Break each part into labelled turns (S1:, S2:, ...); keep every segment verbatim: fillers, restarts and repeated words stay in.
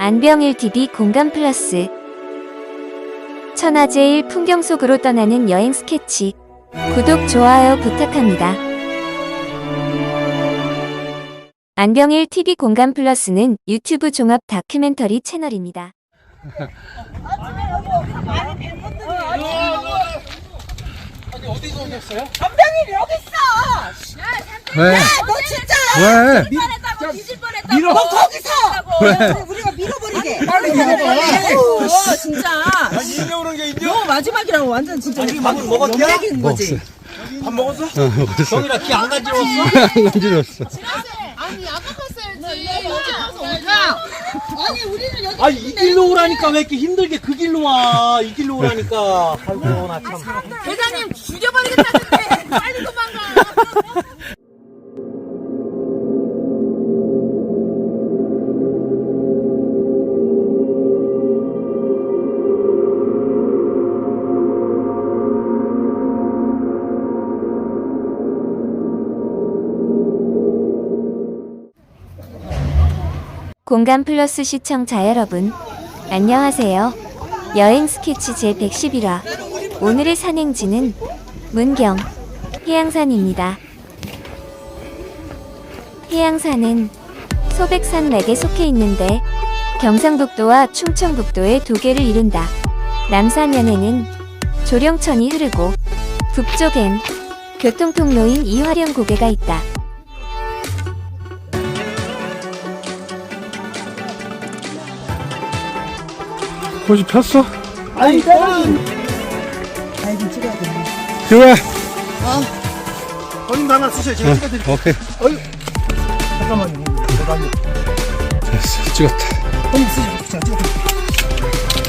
S1: 안병일 티비 공감 플러스. 천하제일 풍경 속으로 떠나는 여행 스케치. 구독, 좋아요 부탁합니다. 안병일 티비 공감 플러스는 유튜브 종합 다큐멘터리 채널입니다.
S2: 아니 어디서 오셨어요?
S3: 안병일이 여기 있어.
S2: 왜?
S3: 야, 너 진짜.
S2: 왜?
S3: 뻔했다고 뒤질 뻔했다고.
S2: 밀어.
S3: 너 거기서.
S2: 왜?
S3: 우리가 밀어버리게.
S2: 빨리 밀어봐.
S3: 어, 진짜.
S2: 아니 인형 오는 게 인형?
S3: 너 마지막이라고 완전 진짜.
S2: 아니, 밥 먹었냐?
S3: 연맥인 거지.
S2: 밥 먹었어?
S4: 어, 먹었어.
S2: 정이라 키 안 간지러웠어?
S4: 안 간지러웠어.
S5: 아니 아까 갔어야지. 언제 가서 오냐? 아니 우리는 여기
S2: 아니 이 길로 오라니까 왜 이렇게 힘들게 그 길로 와? 이 길로 오라니까. 아이고 나 참.
S5: 대장님 죽여버리겠다는데 빨리 도망가.
S1: 공감 플러스 시청자 여러분, 안녕하세요. 여행 스케치 제백십일 화. 오늘의 산행지는 문경 해양산입니다. 해양산은 소백산맥에 속해 있는데 경상북도와 충청북도의 두 개를 이룬다. 남산면에는 조령천이 흐르고 북쪽엔 교통통로인 이화령 고개가 있다.
S4: 꽃이 폈어?
S2: 아니 저는
S3: 아이고 찍어야 돼.
S4: 그래.
S2: 어린도 하나 쓰셔요. 제가 찍어드릴게요.
S4: 오케이.
S2: 어이. 잠깐만요. 잠깐만요.
S4: 됐어. 찍었다.
S2: 형님 쓰시고 제가 찍어드릴게요.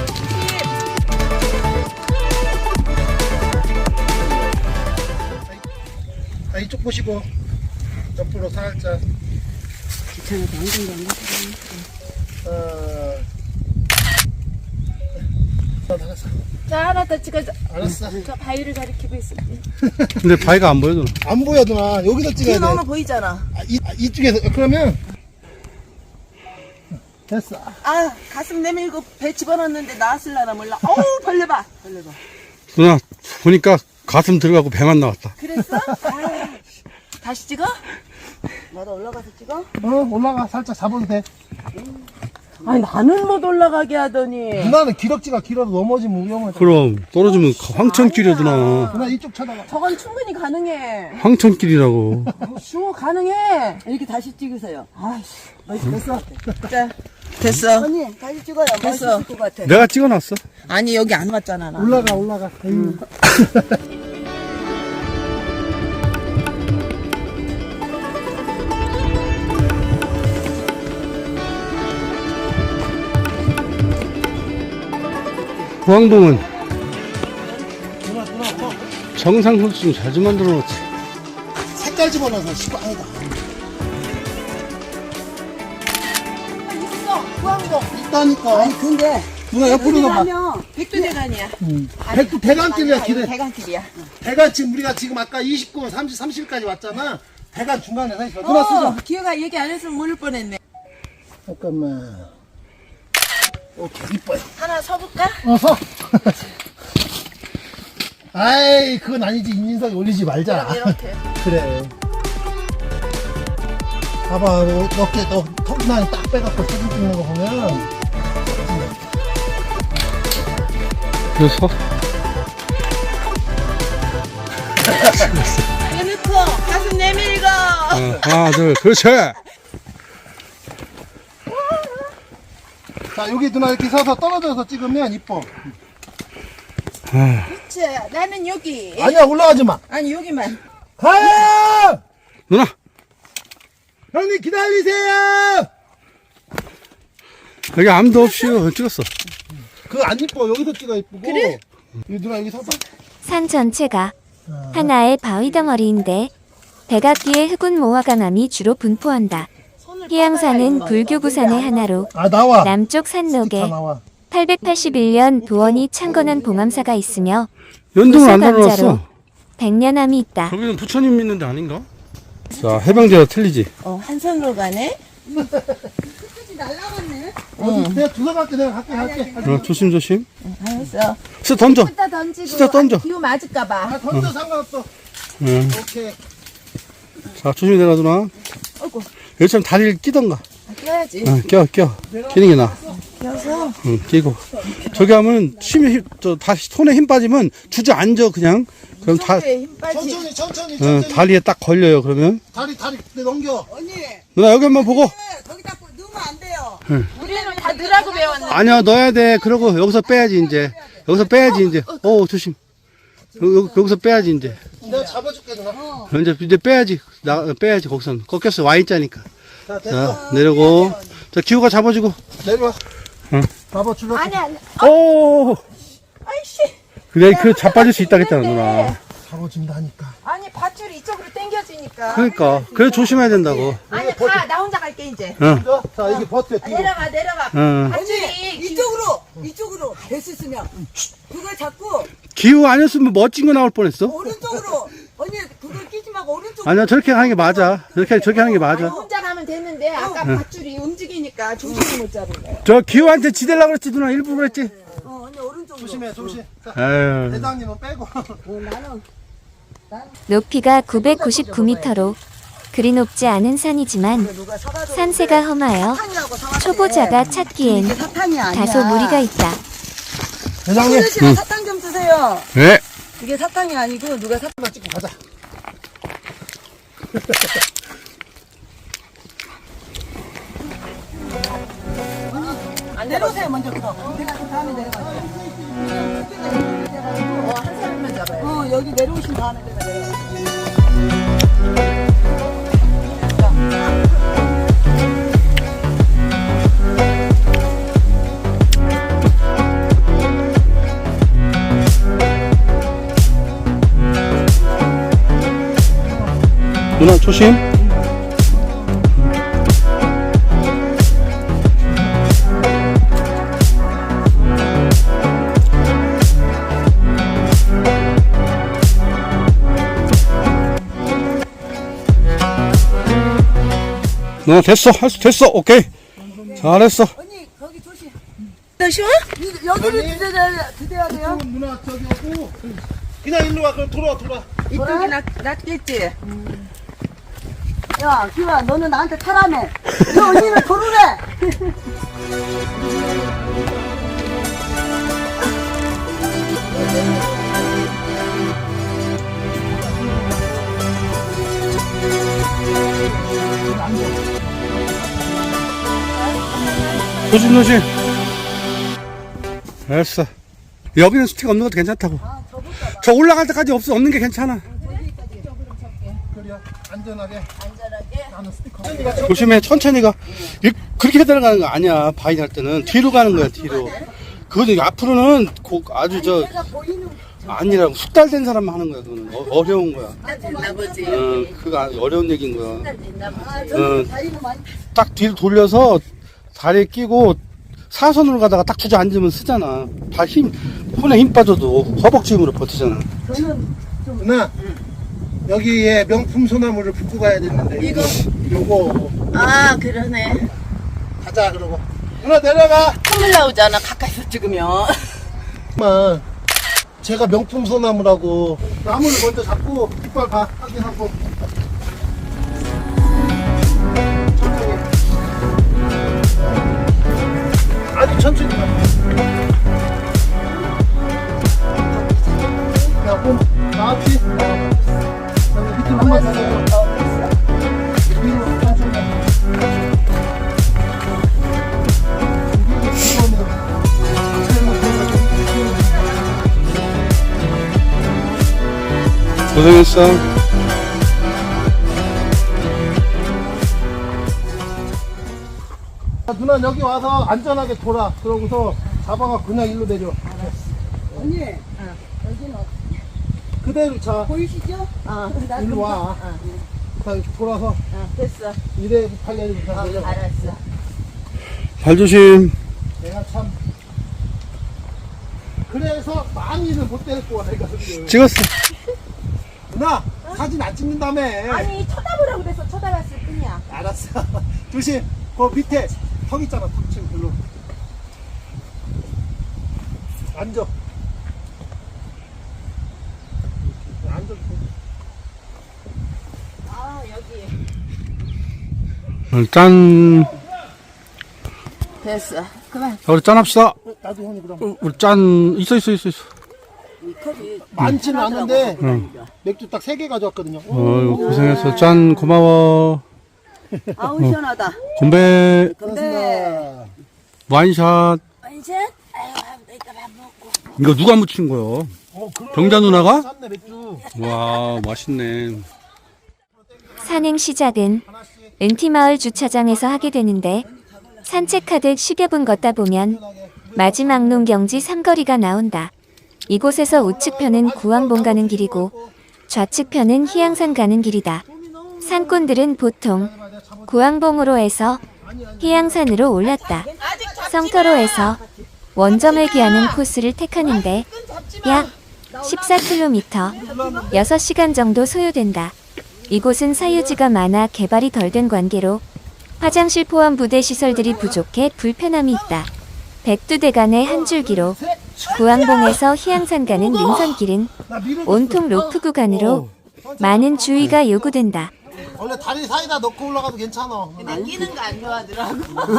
S2: 자, 이쪽 보시고 옆으로 살짝.
S3: 귀찮아도 안 된다.
S2: 어. 알았어.
S5: 자 하나 더 찍어줘.
S2: 알았어.
S5: 저 바위를 가리키고 있어.
S4: 근데 바위가 안 보여, 누나.
S2: 안 보여 누나. 여기서
S3: 뒤에
S2: 찍어야 돼.
S3: 너무 보이잖아.
S2: 아, 이, 아, 이쪽에서 그러면 됐어.
S3: 아, 가슴 내밀고 배 집어넣었는데 나왔을라나 몰라. 어우, 벌레봐. 벌레봐.
S4: 누나, 보니까 가슴 들어가고 배만 나왔다.
S3: 그랬어? 아, 다시 찍어? 나도 올라가서 찍어?
S2: 어 올라가 살짝 잡아도 돼.
S3: 아니, 나는 못 올라가게 하더니.
S2: 누나는 기럭지가 길어도 넘어지면 위험하잖아.
S4: 그럼, 떨어지면 황천길이야, 누나.
S2: 누나 이쪽 쳐다봐.
S3: 저건 충분히 가능해.
S4: 황천길이라고.
S3: 슈 가능해. 이렇게 다시 찍으세요. 아이씨, 됐어. 자, 됐어. 언니, 다시 찍어요. 됐어. 것 같아.
S4: 내가 찍어놨어.
S3: 아니, 여기 안 왔잖아, 나.
S2: 올라가 올라가. 에휴.
S4: 부항동은
S2: 누나 누나 너
S4: 정상 선수 좀 잘 좀 만들어 놓지.
S2: 색깔 집어넣어서 시방이다.
S3: 있어, 구항동.
S2: 있다니까.
S3: 아니, 근데.
S2: 누나 옆으로 가봐.
S3: 가면 백두대간이야.
S2: 백두 대간길이야 길에.
S3: 대간길이야.
S2: 대간 지금 우리가 지금 아까 이십구 분 삼십 삼십까지 왔잖아. 대간 중간에 서 있어. 누나
S3: 어,
S2: 쓰자.
S3: 기회가 얘기 안 했으면 모를 뻔했네.
S2: 잠깐만. 오케이 이뻐요.
S3: 하나 서볼까?
S2: 어서. 아이 그건 아니지. 인인석에 올리지 말자.
S3: 이렇게.
S2: 그래. 봐봐, 너, 어깨, 너, 턱라인 딱 빼갖고 사진 찍는 거 보면.
S4: 그래서,
S3: 해놓고, 가슴 내밀고.
S4: 어, 하나, 둘, 그렇지!
S2: 자, 여기 누나 이렇게 서서 떨어져서 찍으면 이뻐.
S3: 그치, 나는 여기.
S2: 아니야, 올라가지 마.
S3: 아니, 여기만.
S2: 가요!
S4: 누나!
S2: 형님 기다리세요!
S4: 여기 아무도 없이 찍었어.
S2: 그거 안 이뻐. 여기서 찍어 이쁘고. 그래? 여기 누나 여기 서봐.
S1: 산 전체가 하나의 바위 덩어리인데 백악기의 흑운 모화강암이 주로 분포한다. 해양산은 불교 구산의 하나로
S2: 아, 나와.
S1: 남쪽
S2: 다
S1: 산록에
S2: 나와.
S1: 팔백팔십일 년 부원이 창건한 봉암사가 있으며
S4: 연등을 안
S1: 부수감자로
S4: 달아놨어.
S1: 백년암이 있다.
S4: 거기는 부처님 있는데 아닌가? 자, 해병대가 틀리지?
S3: 어, 한 손으로 가네?
S2: 어, 내가 주워 갈게, 내가 갈게, 갈게.
S4: 어, 조심조심.
S3: 알았어.
S4: 스 던져.
S3: 이따 던지고.
S4: 진짜 던져.
S3: 아, 기우 맞을까봐.
S2: 아, 던져 상관없어.
S4: 응.
S2: 오케이.
S4: 자, 조심히 내려, 누나.
S3: 어이구.
S4: 여기처럼 다리를 끼던가.
S3: 껴야지.
S4: 어, 껴, 껴. 끼는 게 나아.
S3: 껴서.
S4: 응, 끼고. 저기 하면, 힘이, 힘, 저, 다시 손에 힘 빠지면 주저앉아, 그냥. 그럼 다,
S3: 손에 힘 빠지.
S2: 천천히, 천천히,
S4: 어,
S2: 천천히.
S4: 다리에 딱 걸려요, 그러면.
S2: 다리, 다리, 내 넘겨.
S3: 언니,
S4: 누나, 여기 한번 보고.
S3: 거기다 넣으면 안 돼요.
S4: 응.
S3: 우리는 다 넣으라고 배웠는데.
S4: 아니야, 넣어야 돼. 그러고, 여기서 빼야지, 이제. 여기서 빼야지, 이제. 어, 조심. 여, 여기서 빼야지, 이제.
S2: 내가 잡아줄게, 누나.
S4: 이제, 이제 빼야지. 나, 빼야지, 거기서는. 꺾였어, 와인자니까.
S2: 자, 됐어.
S4: 자, 내려고. 자, 기우가 잡아주고.
S2: 내려와.
S4: 응.
S2: 잡아줄래?
S3: 아니, 아니.
S4: 오!
S3: 아이씨.
S4: 그래, 그 자빠질 수 있다겠잖아, 누나.
S2: 잡아준다니까.
S3: 아니, 밧줄이 이쪽으로 당겨지니까.
S4: 그러니까. 그래, 조심해야 된다고.
S3: 아니, 가. 나 혼자 갈게, 이제.
S4: 응.
S2: 자, 자, 이게 버텨, 뒤로.
S3: 내려가, 내려가.
S4: 응.
S3: 밧줄이
S6: 이쪽으로 이쪽으로 될 수 있으면 그걸 잡고
S4: 기우 아니었으면 멋진 거 나올 뻔했어.
S6: 오른쪽으로 언니 그걸 끼지 말고 오른쪽
S4: 아니야, 저렇게 하는 게 맞아. 저렇게, 저렇게 하는 게
S3: 아니,
S4: 맞아.
S3: 혼자 가면 되는데 아까 밧줄이 움직이니까 조심히 못 잡은 거야.
S4: 저 기우한테 지대려고 그랬지, 누나. 일부러 그랬지.
S6: 어 언니 오른쪽으로
S2: 조심해, 조심. 자,
S4: 아유.
S2: 대장님은 빼고.
S1: 높이가 구백구십구 미터로 그리 높지 않은 산이지만 산세가 험하여
S6: 사탕이라고 사왔대.
S1: 초보자가 찾기엔
S6: 이게 사탕이 아니야.
S1: 다소 무리가 있다.
S2: 대장님.
S6: 손으시면 사탕 좀 주세요.
S4: 네.
S6: 이게 사탕이 아니고 누가 사탕
S2: 하나 찍고 가자.
S6: 내려오세요 먼저 그럼. 내가 그 다음에 내려갈게요.
S3: 어, 한 사람만 잡아요.
S6: 어 여기 내려오신 다음에 내가 내려갈게요.
S4: 누나, 조심. 누나, 됐어. 할 수, 됐어. 오케이. 잘했어.
S6: 언니 거기 조심.
S3: 쉬워?
S6: 이- 여기를 기대야 기대야 돼요.
S2: 누나, 저기 오고. 그냥 일로 와, 그럼 돌아와, 돌아와.
S3: 이쪽이 낫, 낫겠지?
S6: 야 기와 너는 나한테 타라며. 너 언니는 도르래.
S4: 조심, 조심. 됐어. 여기는 스틱 없는 것도 괜찮다고. 저 올라갈 때까지 없어, 없는 게 괜찮아.
S2: 그래, 안전하게. 안전하게. 나는 스티커.
S4: 조심해, 천천히 가. 이- 그렇게 들어가는 거 아니야, 바인 할 때는. 뒤로 가는 거야, 뒤로. 그거는 앞으로는 고- 아주 저, 아니라고. 숙달된 사람만 하는 거야, 그거는. 어, 어려운 거야.
S3: 나버지.
S4: 어, 그거 아- 어려운 얘기인 거야. 어,
S6: 다리는 많이.
S4: 딱 뒤로 돌려서 다리에 끼고 사선으로 가다가 딱 주저앉으면 쓰잖아. 다 힘, 손에 힘 빠져도 허벅지 힘으로 버티잖아.
S2: 누나, 여기에 명품 소나무를 붓고 가야 되는데. 이거? 요거.
S3: 아, 그러네.
S2: 가자, 그러고. 누나, 내려가.
S3: 콧물 나오잖아, 가까이서 찍으면.
S2: 만 제가 명품 소나무라고. 나무를 먼저 잡고, 깃발 봐. 확인하고. 천천히. 아주 천천히 가. 야, 몸 나왔지? 어. 여기 밑으로 한번 더 내려. 위로 천천히.
S4: 고생했어.
S2: 자, 누나 여기 와서 안전하게 돌아. 그러고서 잡아가 그냥 일로 내려.
S6: 언니 여기는
S2: 그대로 차.
S6: 보이시죠?
S3: 어,
S2: 일로 와. 자, 이렇게 돌아서
S3: 어, 됐어.
S2: 이래 팔려야 다 내려.
S3: 알았어.
S4: 발 조심.
S2: 내가 참. 그래서 많이는 못 데리고 와, 내가 그게.
S4: 찍었어.
S2: 누나, 사진 안 찍는다며.
S3: 아니, 쳐다보라고 그래서 쳐다봤을 뿐이야.
S2: 알았어. 조심. 그 밑에 턱 있잖아, 턱 지금 별로. 앉아. 앉아.
S3: 아, 여기.
S4: 어, 짠.
S3: 됐어. 그만.
S4: 자, 우리 짠 합시다.
S2: 나도 형이 그럼.
S4: 어, 우리 짠. 있어, 있어, 있어, 있어.
S3: 이 컵이
S2: 많지는 않은데
S4: 응.
S2: 맥주 딱 세 개 가져왔거든요.
S4: 어이구, 고생했어. 짠, 고마워.
S3: 아우, 시원하다.
S4: 건배,
S3: 근데,
S4: 와인샷.
S3: 이제, 아유, 이따 밥 먹고.
S4: 이거 누가 묻힌 거요?
S2: 어, 그러네.
S4: 병자 누나가?
S2: 쌌네, 맥주.
S4: 와, 맛있네.
S1: 산행 시작은 은티마을 주차장에서 하게 되는데 산책하듯 십여 분 걷다 보면 마지막 농경지 삼거리가 나온다. 이곳에서 우측편은 구왕봉 가는 길이고 좌측편은 희양산 가는 길이다. 산꾼들은 보통 구왕봉으로 해서 희양산으로 올랐다. 성터로에서 원점을 기하는 코스를 택하는데 약 십사 킬로미터, 여섯 시간 정도 소요된다. 이곳은 사유지가 많아 개발이 덜 된 관계로 화장실 포함 부대 시설들이 부족해 불편함이 있다. 백두대간의 한 줄기로 구왕봉에서 희양산 가는 능선길은
S2: 나 밀어줬어.
S1: 온통 로프 구간으로 많은 주의가 요구된다.
S2: 원래 다리 사이다 넣고 올라가도 괜찮아.
S3: 근데 끼는 거 안 좋아하더라고.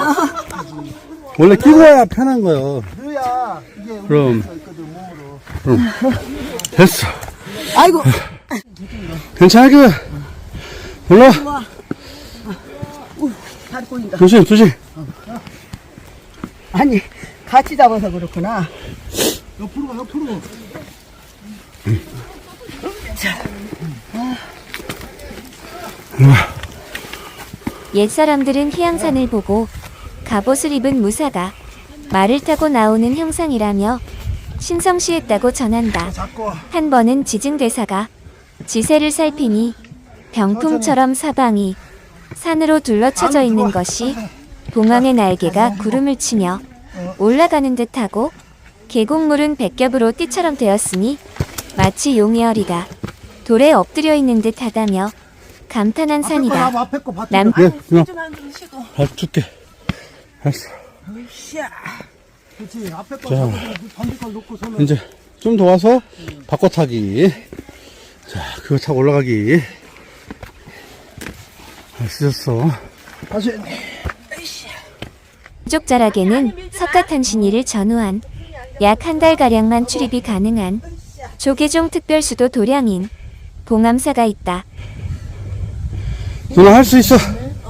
S4: 원래 끼고 와야 편한 거요.
S2: 그래야 이게
S4: 그럼.
S2: 움직일 수 있거든, 몸으로.
S4: 됐어.
S3: 아이고.
S4: 괜찮아, 그. 올라.
S3: 발 꼬인다.
S4: 조심, 조심.
S3: 아니, 같이 잡아서 그렇구나.
S2: 옆으로 가, 옆으로.
S1: 옛사람들은 희양산을 보고 갑옷을 입은 무사가 말을 타고 나오는 형상이라며 신성시했다고 전한다.
S2: 잡고.
S1: 한 번은 지증대사가 지세를 살피니 병풍처럼 사방이 산으로 둘러쳐져 있는 것이 봉황의 날개가 구름을 치며 올라가는 듯하고 계곡물은 백겹으로 띠처럼 되었으니 마치 용의 어리가 돌에 엎드려 있는 듯하다며 감탄한
S2: 앞에 거
S1: 산이다.
S2: 놔봐, 앞에 거 봐.
S1: 남
S4: 네, 그냥
S3: 좀만 좀 쉬고.
S4: 발 줄게. 알았어.
S2: 그렇지, 앞에 거
S4: 자.
S2: 잡고 반대 걸 놓고 서면.
S4: 이제 좀 더 와서 바꿔 타기. 자, 그거 타고 올라가기. 아, 쓰셨어.
S2: 다시.
S1: 부족자락에는 석가탄신일을 전후한 약 한 달가량만 출입이 가능한 조계종 특별수도 도량인 봉암사가 있다.
S4: 누나 할 수 있어.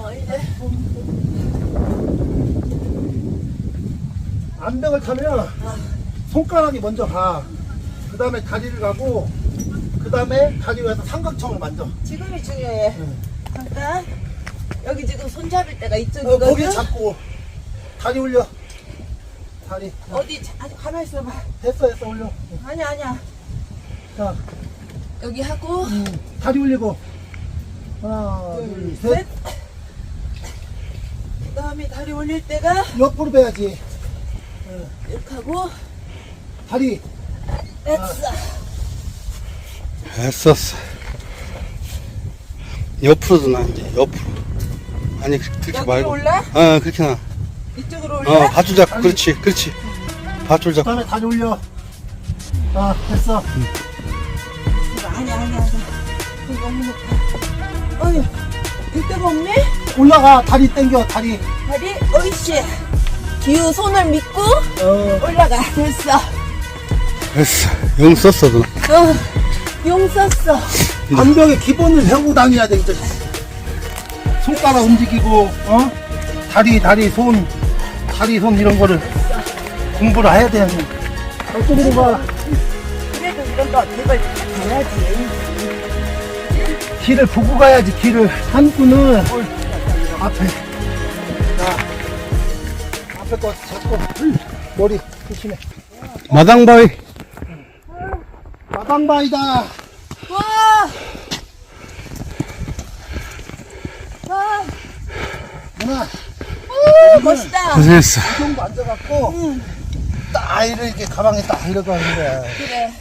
S2: 암벽을 타면 손가락이 먼저 가. 그 다음에 다리를 가고, 그 다음에 다리 위에서 삼각형을 만져.
S3: 지금이 중요해. 잠깐. 여기 지금 손 잡을 때가
S2: 어,
S3: 이쪽이거든.
S2: 거기 잡고, 다리 올려. 다리.
S3: 어디, 자- 아니, 가만히 있어봐.
S2: 됐어, 됐어, 올려.
S3: 아니야, 아니야.
S2: 자,
S3: 여기 하고,
S2: 다리 올리고. 하나, 둘, 셋.
S3: 셋. 그 다음에 다리 올릴 때가
S2: 옆으로 빼야지.
S3: 이렇게 하고,
S2: 다리.
S3: 됐어.
S4: 했었어. 옆으로도 나, 이제, 옆으로. 아니, 그- 그렇게
S3: 여기로
S4: 말고.
S3: 올라?
S4: 어, 그렇게 나.
S3: 이쪽으로 올려?
S4: 어, 밧줄 잡고, 그렇지, 그렇지. 밧줄
S2: 그
S4: 잡고.
S2: 다음에 다리 올려. 아, 됐어.
S3: 아니야, 아니야, 아니야. 이거 너무 높아. 어휴, 될 데가 없네?
S2: 올라가. 다리 당겨, 다리.
S3: 다리, 어이씨. 기우 손을 믿고
S2: 어,
S3: 올라가. 됐어.
S4: 됐어. 영 썼어, 누나.
S3: 어, 용 썼어.
S2: 암벽의 기본을 배우고 다녀야 돼, 이제. 손가락 움직이고, 어? 다리, 다리, 손, 다리, 손 이런 거를 공부를 해야 돼. 어쩌고 봐.
S3: 그래도 이런 거 이걸 가야지.
S2: 길을 보고 가야지, 길을. 산꾼은 앞에. 자, 앞에 거 잡고, 머리 조심해.
S4: 마당바위.
S2: 마당바위다.
S3: 와! 와!
S2: 누나,
S3: 멋있다.
S4: 고생했어.
S2: 이 정도 앉아갖고, 딱 이렇게 가방에 딱 들어가는 거야.
S3: 그래.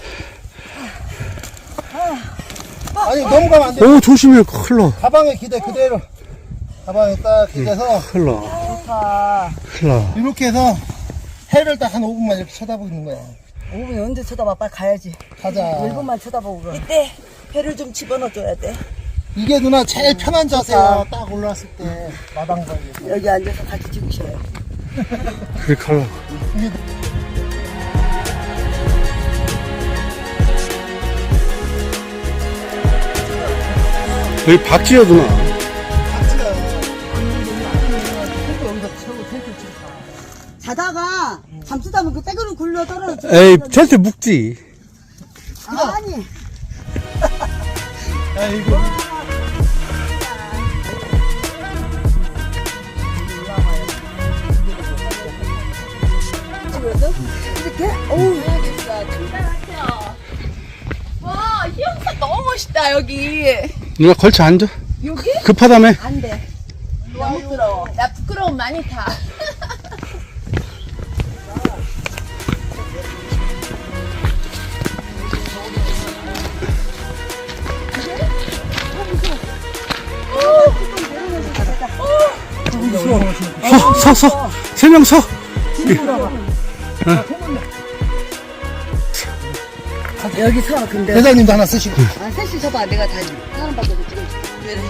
S2: 아니, 넘어가면 안 돼.
S4: 오, 조심해. 흘러.
S2: 가방에 기대 그대로. 가방에 딱 기대서
S4: 흘러.
S6: 아파.
S4: 큰일 나.
S2: 이렇게 해서 해를 딱 한 오 분만 이렇게 쳐다보는 거야.
S6: 오 분이 언제 쳐다봐? 빨리 가야지.
S2: 가자.
S6: 일 분만 쳐다보고 그럼. 이때 회를 좀 집어넣어줘야 돼.
S2: 이게 누나 제일 편한 자세야. 딱 올라왔을 때 마당바위에서.
S6: 여기 앉아서 같이 찍으셔요.
S4: 그렇게 하려고. 여기 박지야 누나.
S6: 자다가 잠수다면 그 떼그로 굴러 떨어져.
S4: 에이 텐트 묵지.
S6: 아니.
S2: 아이고.
S6: 이렇게? 어우.
S5: 와, 이 영상 너무 멋있다, 여기.
S4: 누나 걸쳐 앉아.
S5: 여기?
S4: 급하다며.
S5: 안 돼. 너무 부끄러워. 나 부끄러움 많이 타.
S4: 서, 서, 서. 세 명 서.
S6: 여기 서, 근데.
S2: 대장님도 하나 쓰시고.
S6: 아, 셋이 서봐. 내가 다 사람 밖에서 찍어줄게. 왜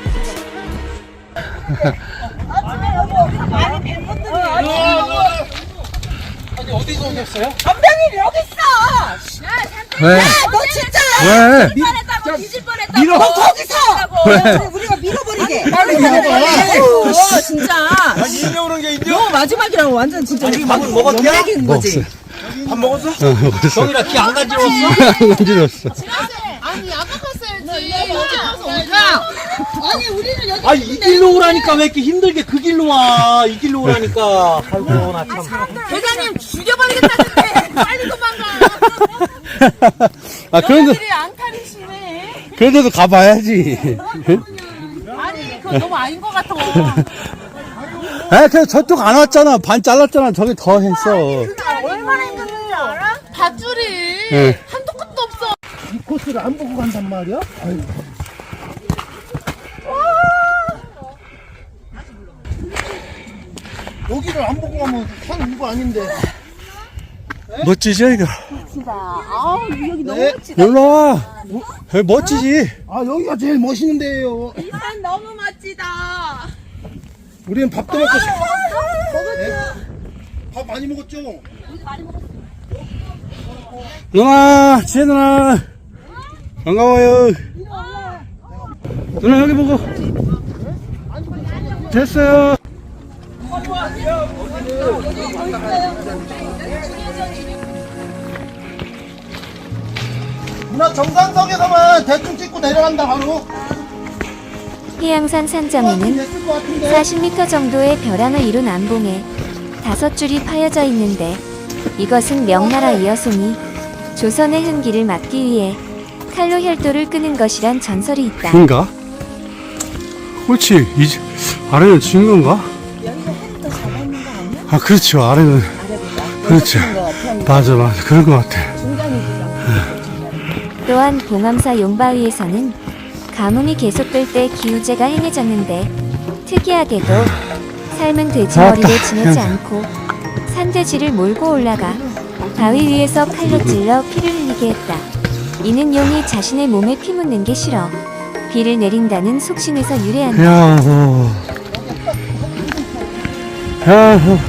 S2: 어디서 오셨어요?
S6: 전병이 여기 있어!
S4: 왜?
S6: 너 진짜!
S4: 왜?
S5: 뻔했다고 뒤질 뻔했다고.
S2: 밀어.
S6: 너 거기서!
S4: 왜?
S6: 우리가 밀어버리게!
S2: 빨리 밀어봐.
S6: 어, 진짜!
S2: 인형 오는 게 인형?
S6: 너 마지막이라고 완전 진짜.
S2: 아니, 밥은 먹었냐?
S6: 연맥인 거지.
S2: 밥 먹었어?
S4: 어, 먹었어.
S2: 정이라 키 안 간지러웠어?
S4: 안 간지러웠어.
S5: 아니, 아까 갔어야지. 어제 가서 오자.
S6: 아니, 우리는 여기.
S7: 아니 이 길로 오라니까 왜 이렇게 힘들게 그 길로 와? 이 길로 오라니까. 아이고 나 참.
S5: 대장님 죽여버리겠다는데 빨리 도망가.
S4: 아 그런데
S5: 너희들이 앙탈이시네.
S4: 그런데도 가봐야지.
S5: 아니, 그건 너무 아닌 것 같아.
S4: 아 그냥 저쪽 안 왔잖아. 반 잘랐잖아. 저기 더 했어.
S5: 얼마나 힘든지 알아? 밧줄이
S4: 응.
S5: 한도 끝도 없어.
S2: 이 코스를 안 보고 간단 말이야? 아이고. 여기를 안 보고 가면 산 온 거 아닌데.
S4: 멋지죠 이거?
S5: 아우, 여기 너무
S2: 네.
S5: 멋지다.
S4: 놀러 와. 여기 멋지지.
S2: 아, 여기가 제일 멋있는 데예요.
S5: 이 산 너무 멋지다.
S2: 우리는 밥도 먹고 싶어. 먹었죠? 밥 많이 먹었죠?
S4: 누나, 지혜 누나. 반가워요. 누나 여기 보고. 됐어요.
S2: 누나 정상석에서만 대충 찍고 내려간다 바로.
S1: 해양산 산점에는
S2: 됐을 것 같은데.
S1: 사십 미터 정도의 벼랑을 이룬 암봉에 다섯 줄이 파여져 있는데 이것은 명나라 이여송이 조선의 흥기를 막기 위해 칼로 혈도를 끄는 것이란 전설이 있다.
S4: 인가? 그렇지. 이 아래는 진 건가? 아 그렇죠. 아래는 그렇죠. 맞아 맞아 그런 것 같아.
S1: 또한 봉암사 용바위에서는 가뭄이 계속될 때 기우제가 행해졌는데 특이하게도 삶은 돼지
S4: 아따,
S1: 머리를 지내지
S4: 야.
S1: 않고 산돼지를 몰고 올라가 바위 위에서 칼로 찔러 피를 흘리게 했다. 이는 용이 자신의 몸에 피 묻는 게 싫어 비를 내린다는 속신에서 유래한다.
S4: 야호. 야호.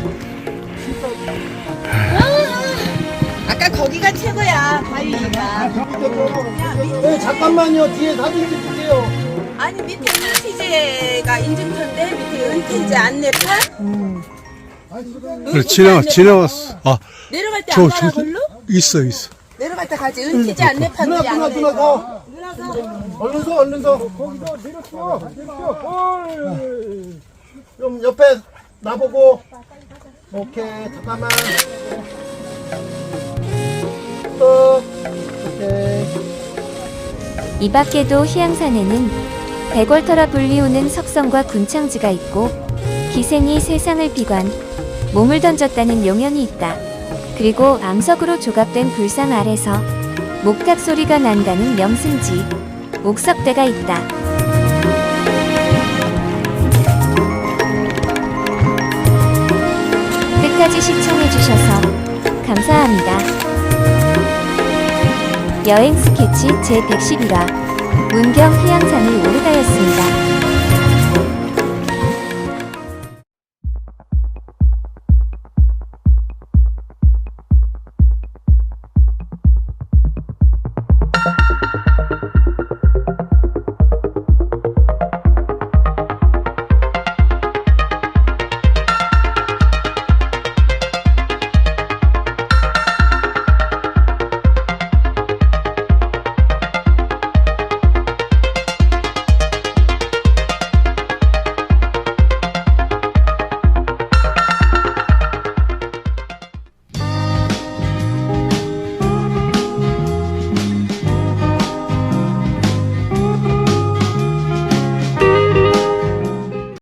S6: 아까 거기가 최고야, 바위가.
S2: 네, 잠깐만요. 뒤에 사진 찍을게요.
S6: 아니, 밑에 은퇴제가 인증표인데, 밑에 은퇴제 안내판?
S4: 그래 지나왔 지나왔어. 아
S6: 내려갈 때
S4: 저
S6: 안 가나,
S4: 저
S6: 걸로?
S4: 있어 있어.
S6: 내려갈 때 가지. 은퇴제 안내판
S2: 누나,
S6: 우리
S2: 누나,
S6: 안
S2: 누나,
S6: 내.
S2: 서. 얼른 서, 얼른 서. 거기서 내렸어. 내렸어. 좀 옆에 나보고. 오케이, 잠깐만. 또. 오케이.
S1: 이 밖에도 해양산에는 백월터라 불리우는 석성과 군창지가 있고 기생이 세상을 비관, 몸을 던졌다는 용연이 있다. 그리고 암석으로 조각된 불상 아래서 목탁 소리가 난다는 명승지, 옥석대가 있다. 끝까지 시청해주셔서 감사합니다. 여행 스케치 제백십일 화 문경 휴양산을 오르다였습니다.